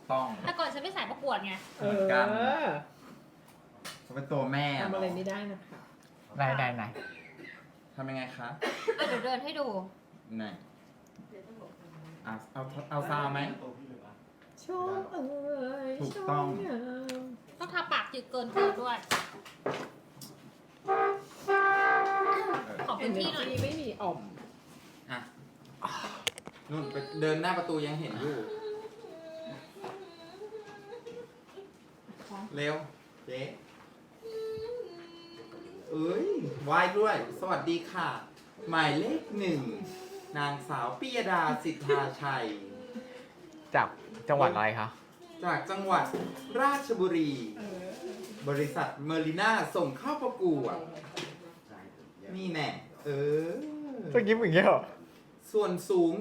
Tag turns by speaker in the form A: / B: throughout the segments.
A: ต้อง
B: แต่ก่อนฉันไม่สายประกวดไง
A: เหมือนกันเขาเป็นตัวแม่
C: ทำอะไรไม่ได้นะคะ
D: ไหน
A: ทำยังไงคะ
B: เดี๋ยวเดินให้ดู
A: ไหนเอาซาวไหม
C: ชมเอ้ย
A: ถูกต้อง
C: ชมงาม
B: ต้องทาปากจืดเกินเกินด้วย ขอพื้นที่หน่อย
C: ไม่มีอ่อม
A: อ่ะนู่นไปเดินหน้าประตูยังเห็นอยู่ เร็วเจ๊เอ้ยไหวด้วย สวัสดีค่ะ หมายเลขหนึ่ง นางสาวปิยดาสิทธาชัย
D: จากจังหวัดอะไรคะ
A: จากจังหวัดราชบุรี บริษัทเมอริน่าส่งเข้าประกวดนี่แน่
D: ต้องยิ้มอย่างเงี้ยเหรอ
A: ส่วนสูง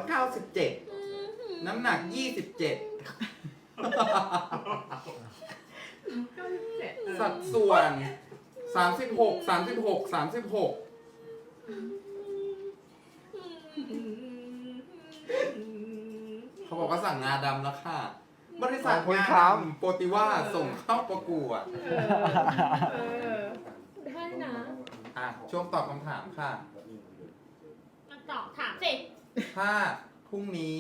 A: 197 น้ำหนัก 27 สัดส่วน 36 เขาบอกว่าสั่งงาดำแล้วค่ะ บริษัท
D: ขอบคุณ
A: งา
D: ครับ
A: ดำโปรติว่าส่งเข้าประกวด
C: ได้นะ
A: อ่ะ ช่วงตอบคำถามค่ะ
B: มันตอบถามสิ
A: ถ้าพรุ่งนี้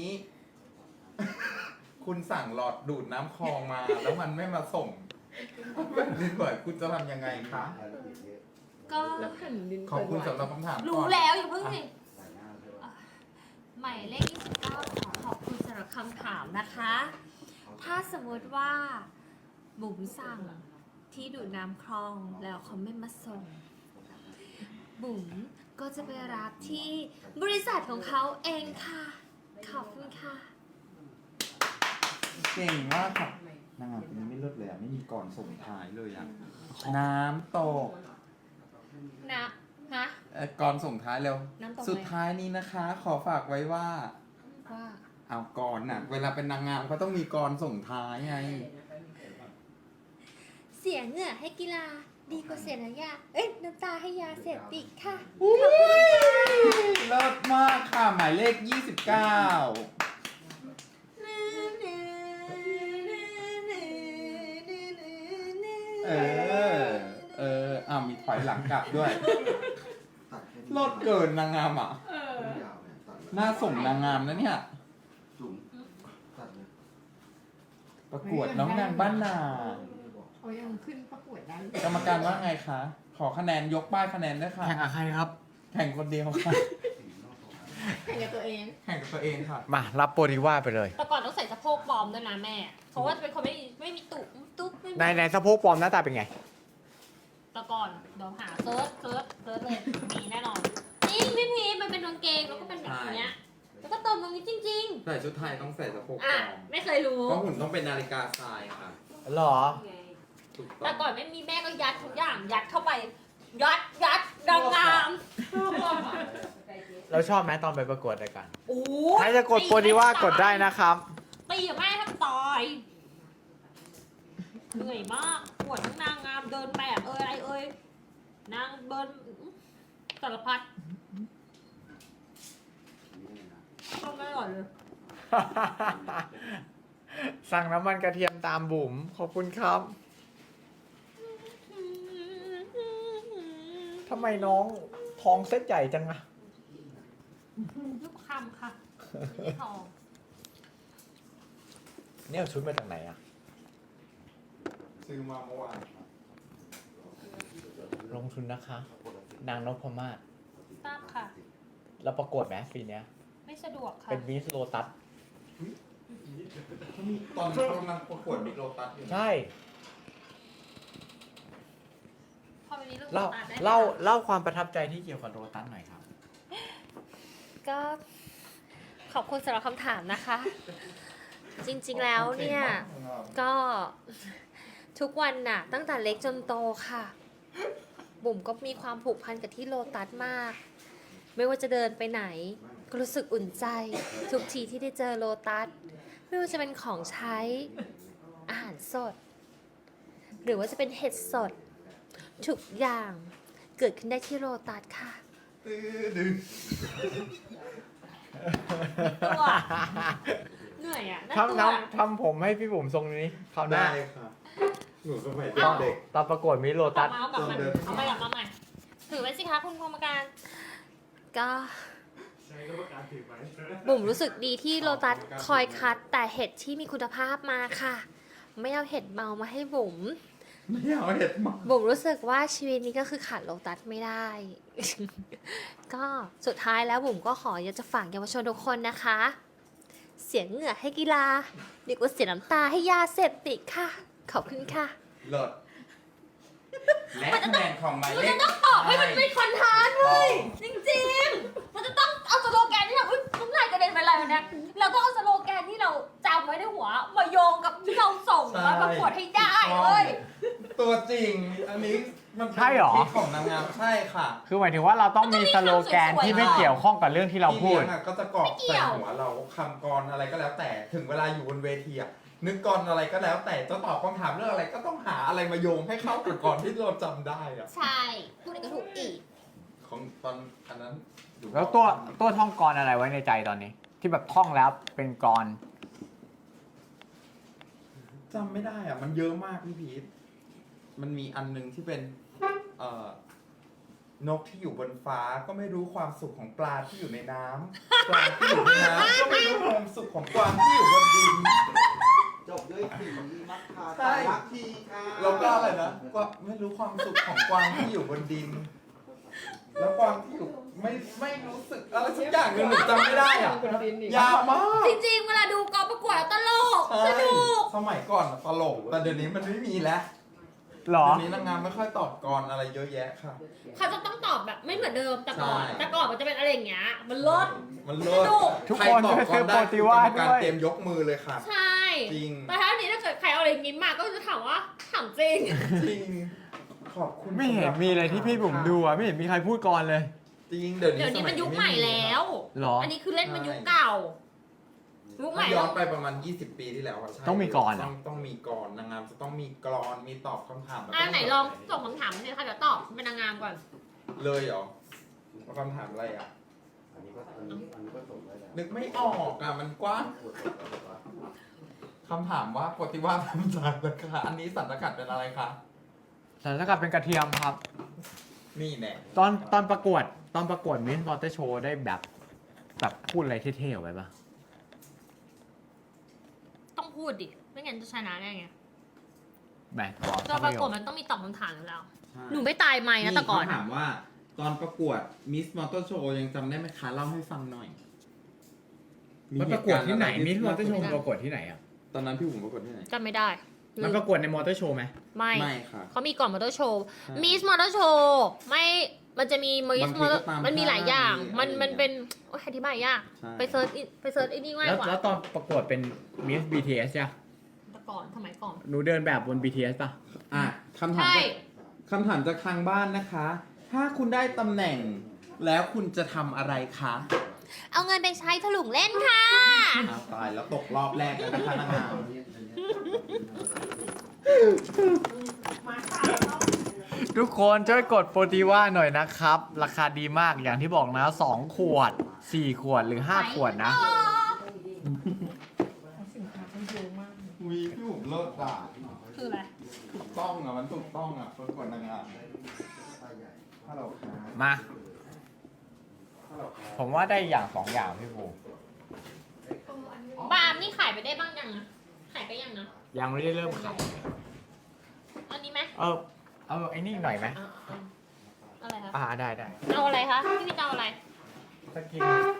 A: คุณสั่งหลอดดูดน้ำคลองมา แล้วมันไม่มาส่งแบบนี้บ่อยคุณจะทำยังไงคะ
B: ก็
C: แล้วแผ่นดิน
A: ขอบคุณสำหรับคำถามก่อน
B: รู้แล้วอย่าเพิ่งสิหมายเลข29ขอบคุณสำหรับคำถามนะคะ ถ้าสมมติว่าบุ๋มสั่งที่ดูดน้ำคลองแล้วเขาไม่มาส่ง บุ๋มก็จะไปรับที่บริษัทของเขาเองค่ะ ขอบคุณค่ะ
A: เก่งมากค่ะนางงามคนนี้ไม่เลิศเลยอ่ะ ไม่มีก่อนส่งท้ายเลยอ่ะ น้ำตก
B: นะฮะ
A: ก่อนส่งท้ายเร็ว
B: น้ำตกไหม
A: สุดท้ายนี้นะคะ ขอฝากไว้ว่า
B: ว่า
A: เอาก่อนน่ะ เวลาเป็นนางงามเขาต้องมีก่อนส่งท้ายไง
B: เสียเหงื่อให้กีฬาดีกว่าเสียน้ำยาน้ำตาให้ยาเสพติดค่ะ
A: เลิศมากค่ะ หมายเลข 29 มีถอยหลังกลับด้วยเลิศเกินนางงามอ่ะ น่าส่งนางงามนะเนี่ย ประกวดน้องนางบ้านนา
C: เขายังขึ้นประกวดได้
A: กรรมการว่าไงคะ ขอคะแนนยกป้ายคะแนนด้วยค่ะ
D: แข่งกับใครครับ
A: แข่งคนเดียวค่ะ
C: แข่งกับตัวเอง
A: แข่งกับตัวเองค่ะ
D: มารับโปรดิว่าไปเลย
B: แต่ก่อนต้องใส่สะโพกปลอมด้วยนะแม่ เพราะว่าจะเป็นคนไม่มีตุตุ๊บไม่มี
D: ในสะโพกปลอมหน้าตาเป็นไง
B: แต่ก่อนเดี๋ยวหาเซิร์ชเลยมีแน่นอนจริงพี่พีชมันเป็นกางเกงแล้วก็เป็นแบบเนี้ยแล้วก็เติมตรงนี้จริง
A: ใส่ชุดไทยต้องใส่สะโพก
B: ๆ
A: ปล
B: อ่ะ
A: อม
B: ไม่เคยรู้
A: เพราะหุ่นต้องเป็นนาฬิกาทรายค่ะ
D: หรอ
A: ถูกต้
B: แต่
A: อง
B: ก่อนไม่มีแม่ก็ยัดทุกอย่างยัดเข้าไป ยัดดังงาม
D: เราชอบไหมตอนไปประกวดรายการ
B: โอ้
D: ใครจะกดโปรดิว่ากดได้นะครับ
B: ตีกับแม่ทั้งตายเหนื่อยมากปวดทั้งนางงามเดินแบบอะไรนางเบิร์นสารพัดก็ไม่อร่อยเลย
D: สั่งน้ำมันกระเทียมตามบุ๋มขอบคุณครับทำไมน้องท้องเส้นใหญ่จังอะ
B: ลูกคำค่ะไม่ทอง
D: เนี่ยเอาชุดมาจากไหนอะ
A: ซื้อมาเมื่อวาน
D: ลงทุนนะคะ นางนพมาศ
B: ทราบค่ะ
D: แล้วประกวดไหมปีเนี้ย
B: ไม่สะดวกค่ะ
D: เป็นมิสโลตัส
A: ตอนเขากำลังประกวดมิโลตัสอยู่นะ
D: ใช่
B: พอวันนี้
D: เล่า
B: ตัดได้ไหม
D: เล่าความประทับใจที่เกี่ยวกับโลตัสหน่อยครับ
B: ก็ขอบคุณสำหรับคำถามนะคะ จริงๆแล้วเนี่ย ก็ทุกวันน่ะ ตั้งแต่เล็กจนโตค่ะ บุ๋มก็มีความผูกพันกับที่โลตัสมาก ไม่ว่าจะเดินไปไหน ก็รู้สึกอุ่นใจ ทุกทีที่ได้เจอโลตัส ไม่ว่าจะเป็นของใช้อาหารสด หรือว่าจะเป็นเห็ดสด ทุกอย่างเกิดขึ้นได้ที่โลตัสค่ะ
A: ตื้อดึง
B: ตัวเหนื่อยอ่ะ
D: ทำผมให้พี่บุ๋มทรงนี้คราวหน้า
A: ได้ค่ะหนูสมัย
D: ตอน
A: เด็ก
D: ตอนประกวดมิสโล
B: ตั
D: ตั
B: ด
D: ส
B: เอากลับมาเอาไปกลับมาใหม่ถือไว้สิคะคุณกรรมการ ก็บุ๋มรู้สึกดีที่โลตัสคอยคัดแต่เห็ดที่มีคุณภาพมาค่ะ ไม่เอาเห็ดเมามาให้บุ๋ม
A: ไม่เอาเห็ดหมา
B: บุ๋มรู้สึกว่าชีวิตนี้ก็คือขาดโลตัสไม่ได้ ก็สุดท้ายแล้วบุ๋มก็ขออยากจะฝากเยาวชนทุกคนนะคะ เสียเหงื่อให้กีฬาดีกว่าเสียน้ำตาให้ยาเสพติดค่ะ ขอบคุณค่ะ
A: เลิศและคะแนนของหมายเลข
B: ตอบให้มันเป็นคอนทานต์เลยจริงๆ มันจะต้องเอาสโลแกนที่เราน้ำลายกระเด็นไปอะไรแบบเนี้ยเราต้องเอาสโลแกนที่เราจำไว้ในหัวมาโยงกับที่เราส่งมาประกวดให้ได้เลย
A: ตัวจริง อันนี้มันเป็น
D: ใช่เหรอ
A: ทริคของนางงามใช่ค่ะ
D: คือหมายถึงว่าเราต้องมีสโลแกนที่ไม่เกี่ยวข้องกับเรื่องที่เราพูด
A: พี่ลี้ยงอะก็จะกรอกใส่หัวเราคำกรอะไรก็แล้วแต่ถึงเวลาอยู่บนเวทีอะนึกกรอะไรก็แล้วแต่จะตอบคำถามเรื่องอะไรก็ต้องหาอะไรมาโยงให้เข้ากับกรที่เราจำได้อะ
B: ใช่พูดอะไรก็ถูกอีก
A: ของตอนอันนั้นอยู่
D: แล้วตัวท่องกรอะไรไว้ในใจตอนนี้ ที่แบบท่องแล้วเป็นกร
A: จำไม่ได้อะมันเยอะมากพี่พีทมันมีอันนึงที่เป็นนกที่อยู่บนฟ้าก็ไม่รู้ความสุขของปลาที่อยู่ในน้ำปลาที่อยู่ในน้ำก็ไม่รู้ความสุขของกวางที่อยู่บนดิน
E: จบด้วยสีมัคคา
A: ใช่
E: ตาลักทีค่ะ
A: แล้วก็อะไรนะก็ไม่รู้ความสุขของกวางที่อยู่บนดิน แล้วกวางที่อยู่ไม่รู้สึกอะไรสักอย่างหนึ่งหนูจำไม่ได้อ่ะ
C: คนดินอีก
A: ยาวมาก
B: จริงๆ เวลาดูกองประกวดตลกส
A: ใช่
B: นุก
A: สมัยก่อนอะตลกแต่เดี๋ยวนี้มันไม่มีแล้ว
D: หรอ
A: เดี๋ยวนี้นางงามไม่ค่อยตอบกรอะไรเยอะแยะค่ะ
B: เขาจะต้องตอบแบบไม่เหมือนเดิมแต่ก่อน
A: ใช่
B: แต่ก่อนมันจะเป็นอะไรอย่างเงี้ยมันลด
A: มันเลิศ
B: สนุก
D: ทุก
A: ใคร
D: คน
A: ตอบ
D: จะ
A: ก
D: ซื้
A: ร
D: อ
A: ได้
D: โปรตีว่า
A: จะมีการ
D: ด้วย
A: เตรียมยกมือเลยค่ะ
B: ใช่
A: จริง
B: แต่ถ้าอันนี้ถ้าเกิดใครเอาอะไรอย่างงี้มาก็จะถามว่าถามจริง
A: จริง ขอบคุณ
D: ไม่เห็นมีเลยที่พี่บุ๋มดูอ่ะไม่เห็นมีใครพูดกรเลย
A: จริงเดี๋ยวนี้
B: เดี๋ยวนี้มันยุคใหม่แล้ว
D: หรอ
B: อันนี้คือเล่นมันยุคเก่า ยุคใหม่
A: ย้
B: แล้
A: อ
B: วน
A: ไปประมาณ 20 ปีที่แล้วอะใช่
D: ต้องมีกรเหรอ
A: ต้องมีกรนางงามจะต้องมีกรอนมีตอบคำถามแล้วก็
B: ไหนลองส่งคำถามมาสิคะเดี๋ยวตอบเป็นนางงามก่อน
A: เลยเหรอว่าคำถามอะไรอ่ะ
E: อันนี้ก็ส่งได้แล้ว
A: นึกไม่ออกอ่ะมันกว้างคำถามว่าปฏิวัติทำจากนะคะอันนี้สันตกัดเป็นอะไรคะ
D: สารสกัดเป็นกระเทียมครับ
A: นี่แน่
D: ตอนประกวดมิสมอเตอร์โชว์ได้แบบพูดอะไรเท่ๆออกไปปะ
B: ต้องพูดดิ ไม่งั้นจะชนะได้ไง
D: แหม
B: ตอนประกวดมันต้องมีตอบคำถามอยู่แล้ว หนูไม่ตายไหมนะแต่ก่อน
A: ถามว่าตอนประกวดมิสมอเตอร์โชว์ยังจำได้ไหมคะเล่าให้ฟังหน่อย
D: มันประกวดที่ไหนมิสมอเตอร์โชว์
B: ไม่ได้
D: ประกวดที่ไหนอ่ะ
A: ตอนนั้นพี่บุ๋มประกวดที่ไหน
B: จำไม่ได้
D: มันประกวดในมอเตอร์โชว์ไหม
B: ไม่
A: ไม่ค่ะ
B: เขามีก่อนมอเตอร์โชว์
A: ใช่
B: มิสมอเตอร์โชว์ไม่ มันจะมีมิส
A: บางที
B: มอเตอ
A: ก็
B: ร์
A: ตาม
B: มันมีหลายอย่าง
A: ค่าย
B: มันเป็นโอ้ยอธิบายยาก
A: ใช่
B: ไปเซิร์ชไอ้นี่ง่าย
D: แล้ว
B: กว่า
D: แล้วตอนประกวดเป็นมิส BTS จ้ะ
B: แต่ก่อนสมัยก่อน
D: หนูเดินแบบบน BTS ป่ะ
A: อ่ะคำถาม
B: ใช่
A: คำถามจากทางบ้านนะคะ ถ้าคุณได้ตำแหน่ง แล้วคุณจะทำอะไรคะ
B: เอาเงินไปใช้ถลุงเล่นค่ะ
A: อ้าวตายแล้วตกรอบแรกแล้วนะคะนางงาม
D: ทุกคนช่วยกดโปรตีว่าหน่อยนะครับ ราคาดีมากอย่างที่บอกนะ 2 ขวด 4 ขวดหรือ 5 ขวดนะ
C: สินค้ามันเยอะมาก
A: วีพี่บุ๋มเลิศด่า
B: คืออะไร
A: ถูกต้องอ่ะมันถูกต้องอ่ะประกวดนางงามฮัลโหลครับ
D: มา
A: ฮัลโหลครับ
D: ผมว่าได้อย่าง 2 อย่างพี่ภู
B: บาร์มนี่ขายไปได้บ้างยังนะขายไปยังนะ
D: ยังไม่ได้เริ่มขาย
B: อันนี้ไหม
D: เอาไอ้นี่หน่อยไหม
B: เอาอะไรคะ
D: ได้
B: เอาอะไรคะพี่พี่จะเอาอะไร
D: สกิน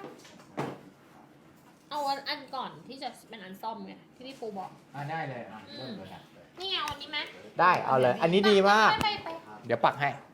B: เอาอันก่อนที่จะเป็นอันซ่อมไงที่พี่ปูบอก
D: ได้เลยเริ่มเลย
B: นี่ไงเอาอันนี้ไหม
D: ได้เอาเลย อันนี้ดีมาก
B: ไป
D: เดี๋ยวปักให้
B: ไ